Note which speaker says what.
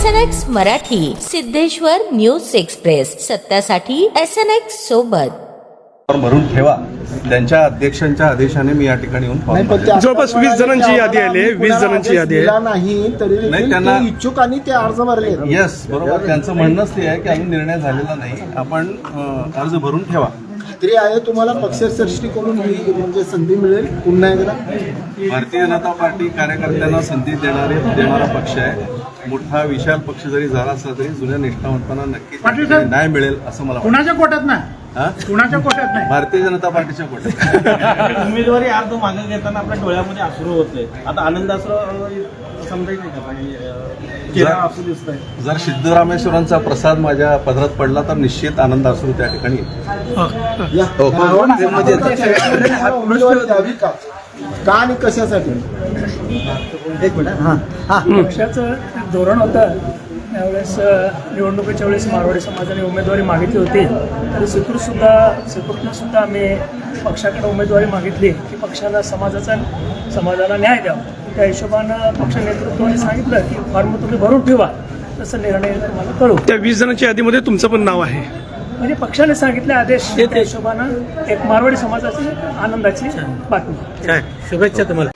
Speaker 1: SNX Marathi, Siddheshwar news express, सत्यासाठी SNX सोबत.
Speaker 2: भरून ठेवा. त्यांच्या अध्यक्षांच्या आदेशाने मी या ठिकाणी येऊन
Speaker 3: जवळपास 20 जणांची यादी आहे. 20 जणांची यादी आहे.
Speaker 4: नाही तरी
Speaker 2: नाही, त्यांना
Speaker 4: इच्छुक आणि ते अर्ज भरले.
Speaker 2: येस, बरोबर. त्यांचं म्हणणंच ते आहे की अजून निर्णय झालेला नाही, आपण अर्ज भरून ठेवा.
Speaker 4: खात्री आहे तुम्हाला पक्षश्रेष्ठीकडून ही म्हणजे संधी मिळेल पुन्हा एकदा.
Speaker 2: भारतीय जनता पार्टी कार्यकर्त्यांना संधी देणारा पक्ष आहे. मोठा विशाल पक्ष जरी झाला असला तरी जुन्या निष्ठावंतांना नक्कीच न्याय मिळेल असं मला वाटतं.
Speaker 5: कुणाच्या कोट्यात नाही, कुणाच्या कोट्यात नाही,
Speaker 2: भारतीय जनता पार्टीच्या कोट्यात.
Speaker 6: उमेदवारी अर्ज मागे घेताना आपल्या डोळ्यामध्ये अश्रू होते. आता आनंदाश्रू समजायचं का असं दिसतंय.
Speaker 2: जर सिद्धरामेश्वरांचा प्रसाद माझ्या पदरात पडला तर निश्चित आनंद असू त्या ठिकाणी येईल.
Speaker 4: उमेदवारी द्यावी का आणि कशासाठी?
Speaker 5: पक्षाचं धोरण होतं त्यावेळेस निवडणुकीच्या वेळेस मारवाडी समाजाने उमेदवारी मागितली होती. तरी सुद्धा आम्ही पक्षाकडे उमेदवारी मागितली की पक्षाला समाजाला न्याय द्यावा. त्या हिशोबानं पक्ष नेतृत्वाने सांगितलं की फॉर्म तुम्ही भरून ठेवा, तसं निर्णय तुम्हाला कळू.
Speaker 3: त्या 20 जणांच्या यादीमध्ये तुमचं पण नाव आहे.
Speaker 5: म्हणजे पक्षाने सांगितले आदेश, त्या हिशोबानं एक मारवाडी समाजाची आनंदाची बातमी.
Speaker 3: काय शुभेच्छा तुम्हाला.